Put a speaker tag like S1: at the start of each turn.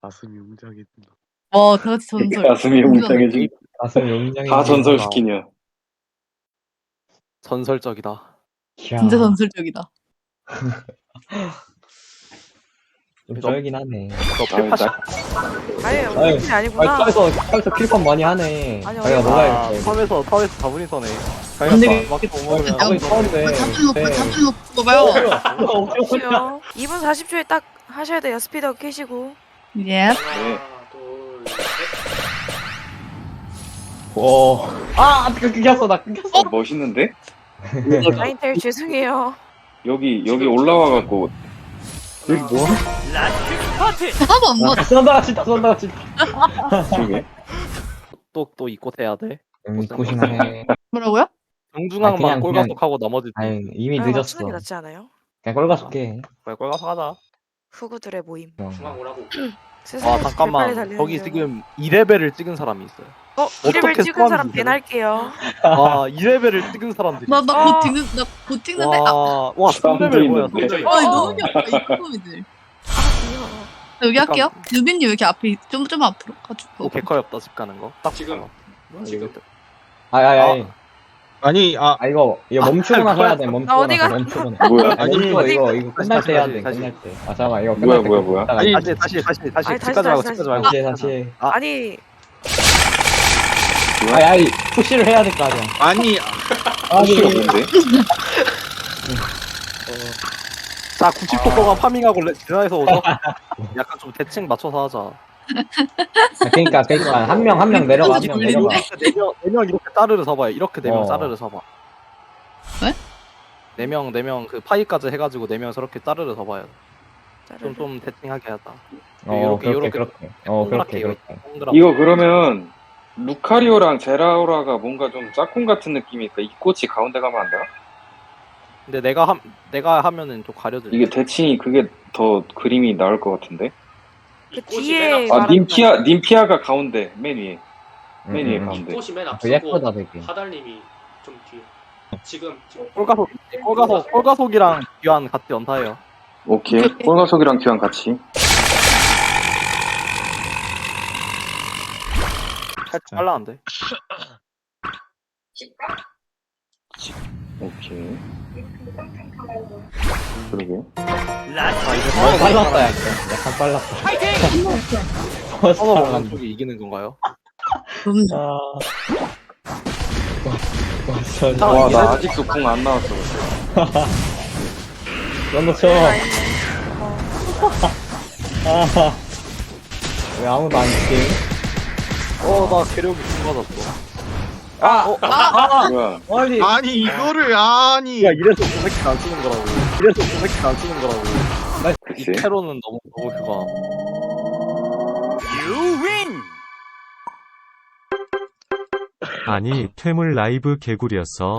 S1: 가슴이 웅장해진다.
S2: 와, 다 같이 전설.
S3: 가슴이 웅장해진.
S4: 가슴이 웅장해.
S3: 다 전설시키냐.
S1: 전설적이다.
S2: 진짜 전설적이다.
S4: 좀 쩔긴 하네.
S1: 너 필파시.
S5: 아니,
S4: 아유,
S5: 우리 아니구나.
S4: 탑에서 킬판 많이 하네.
S5: 아니,
S4: 자기가
S5: 어디-
S4: 놀아야겠어.
S1: 탑에서 다분이서네.
S2: 근데
S1: 막못 먹으면
S4: 탑을 서는데.
S2: 탑을 놓고 봐요.
S5: 쉬어. 2분 40초에 딱 하셔야 돼요. 스피드업 켜시고.
S2: 예.
S3: 네.
S4: 오. 아, 끊겼어. 나 끊겼어.
S3: 멋있는데?
S5: 라인텔 죄송해요.
S3: 여기 올라와갖고
S4: 여기 뭐?
S2: 하나도 안 맞아.
S4: 쏜다, 진짜 쏜다, 진짜.
S3: 저게
S1: 또 이곳 해야 돼.
S4: 고심하네.
S2: 뭐라고요?
S1: 정중앙만
S4: 그냥-
S1: 꼴가속하고 나머지
S4: 아니, 이미
S5: 아,
S4: 늦었어.
S5: 맞추는 게 낫지 않아요?
S4: 그냥 꼴가속해.
S1: 그래 꼴가속 하자.
S5: 후구들의 모임.
S6: 중앙 오라고.
S5: 세상에
S1: 아
S5: 빨리
S1: 잠깐만.
S5: 달리는
S1: 거기
S5: 줄.
S1: 지금 2레벨을 찍은 사람이 있어요.
S5: 이레벨
S1: 어떻게
S5: 찍은 사람
S1: 소환이
S5: 배날게요.
S1: 아 2레벨을 찍은 사람들이.
S2: 나 곧 찍는데. 아,
S1: 와
S3: 사람도
S1: 3레벨 뭐야?
S3: 있는데.
S1: 3레벨.
S2: 너무 귀엽다, 이 놈이들. 여기 할게요. 유빈님 여기 앞에 좀 앞으로 가지고.
S1: 개커 없다 집 가는 거. 딱
S6: 지금.
S1: 봐봐.
S6: 지금.
S4: 아니.
S1: 아니
S4: 아, 이거 멈추고 나서 해야 돼. 멈추고
S5: 어디
S4: 나서
S5: 가?
S4: 멈추고 나서.
S3: 뭐야?
S4: 아니, 이거 끝날 때 해야 돼.
S1: 다시.
S4: 끝날 때. 아, 잠깐만. 이거
S3: 뭐야,
S4: 끝날 때.
S3: 뭐야.
S4: 아니,
S1: 다시
S5: 아니,
S1: 집까지 말고
S5: 다시,
S1: 집까지 말고.
S4: 다시.
S5: 아니,
S4: 아니, 푸시를 해야 될 거 아니야.
S1: 아니
S3: 혹시가 뭔데?
S1: 자 90% 동안 파밍하고 지나에서 오죠. 약간 좀 대칭 맞춰서 하자.
S4: 그러니까 한 명 내려가, 한 명 내려가.
S1: 네명 이렇게 따르르 서봐요. 이렇게 4명
S4: 어.
S1: 따르르 서봐.
S2: 네?
S1: 4명 그 파이까지 해가지고 4명 저렇게 따르르 서봐요. 좀 대칭하게 하자.
S4: 그렇게.
S1: 동그랗게
S4: 그렇게.
S1: 동그랗게.
S3: 이거 그러면 루카리오랑 제라오라가 뭔가 좀 짝꿍 같은 느낌이니까 이 꽃이 가운데 가면 안 돼요?
S1: 근데 내가 하면은 좀 가려져.
S3: 이게 대칭이 그게 더 그림이 나을 것 같은데?
S5: 그
S6: 꽃이
S5: 뒤에
S6: 맨 앞-
S3: 아
S5: 말하는
S3: 님피아가 가운데 맨 위에 맨 위에 가운데.
S6: 꽃이 맨
S4: 그
S6: 앞서고
S4: 예쁘다 되게.
S6: 하달님이 좀 뒤에. 지금
S1: 꼴가속이랑 귀환 같이 연타해요.
S3: 오케이. 꼴가속이랑 귀환 같이.
S1: 살짝 빨라는데.
S3: 오케이. 그러게.
S4: 빨랐다, 약간 빨랐다.
S1: 서로 먹는 쪽이 이기는 건가요?
S2: 그럼요.
S3: 와, 나 아직도 궁 안 나왔어.
S4: 런더 쳐. 왜 아무도 안 치지?
S1: 나 괴력이 쏟아졌어.
S3: 뭐야?
S4: 아니,
S1: 이거를 야 이래서 도색기 안 쓰는 거라고. 이
S3: 글쎄.
S1: 테러는 너무 그거.
S7: 아니 퇴물 라이브 개구리였어.